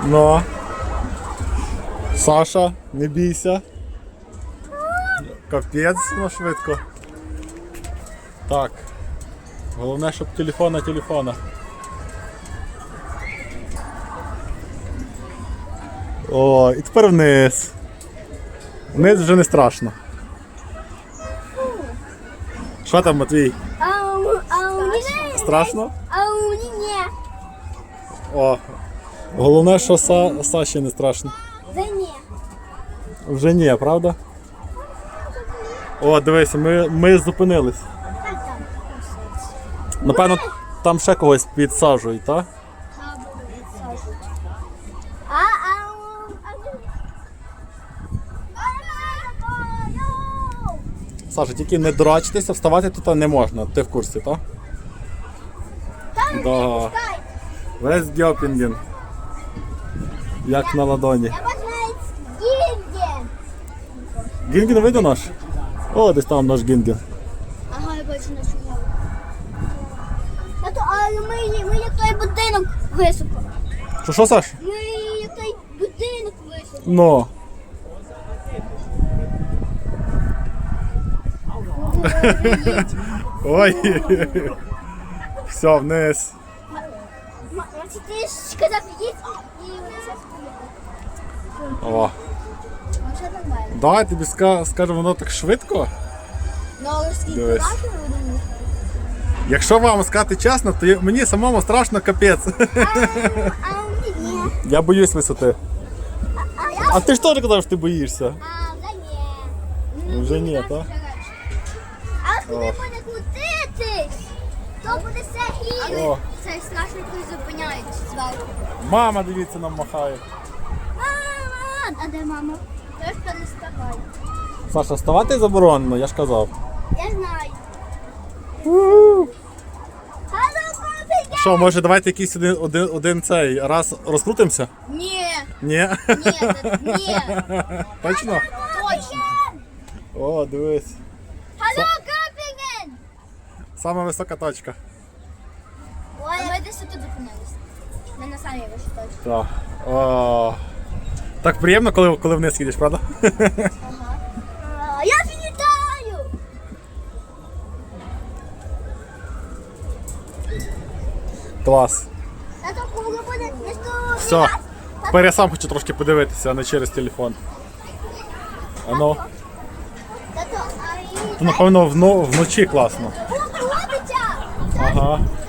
Ну. Саша, не бійся. Капець, ну швидко. Так. Головне, щоб телефона. О, і тепер вниз. Вниз вже не страшно. Що там, Матвій? Страшно? А у мені ні. О, головне, що Саші не страшно. Вже ні. Вже ні, правда? О, дивися, ми зупинились. Напевно, там ще когось підсаджують, так? Саша, тільки не дурачтеся, вставати тут не можна. Ти в курсі, так? Да. Весь Гьопінген. Як на ладоні. Я бажаю Гінген. Гінген видно наш? О, десь там наш Гінген. Ага, я бачу нашу голову. Але ми як той будинок високо. Що, Саш? Ми як той будинок високо. Ну. Ой. Все, вниз. Ти ж сказав їдь і вони зараз поїдуть. О. Ну, що нормально. Да, я тобі скажу, воно так швидко. Ну, але скільки Дивись. бачили, вони Якщо вам сказати чесно, то мені самому страшно капець. А у мені ні. Я боюсь висоти. А я... А ти ж теж казав, що ти боїшся. А, вже ні. Вже ні, так? А коли буде крутитись, то буде все гірше. О. Це страшно, коли зупиняють зверху. Мама, дивіться, нам махає. Мама! А де мама? Теж переставай. Саша, вставати заборонено, я ж казав. Я знаю. Алло, копійка! Що, може давайте якийсь один цей раз розкрутимося? Ні, Ні? ні. Точно? Точно. О, дивись. Алло, Копінген! Сама висока точка. Ой, ми десь тут зупинилися. Ми на самій вищій точці. Так. О. Так приємно, коли вниз їдеш, правда? Я вітаю! Клас. Тато, коли буде не сто... Все. Тепер я сам хочу трошки подивитися, а не через телефон. А ну. Тато, а і... То, напевно, вночі класно. Ходиться! Ага.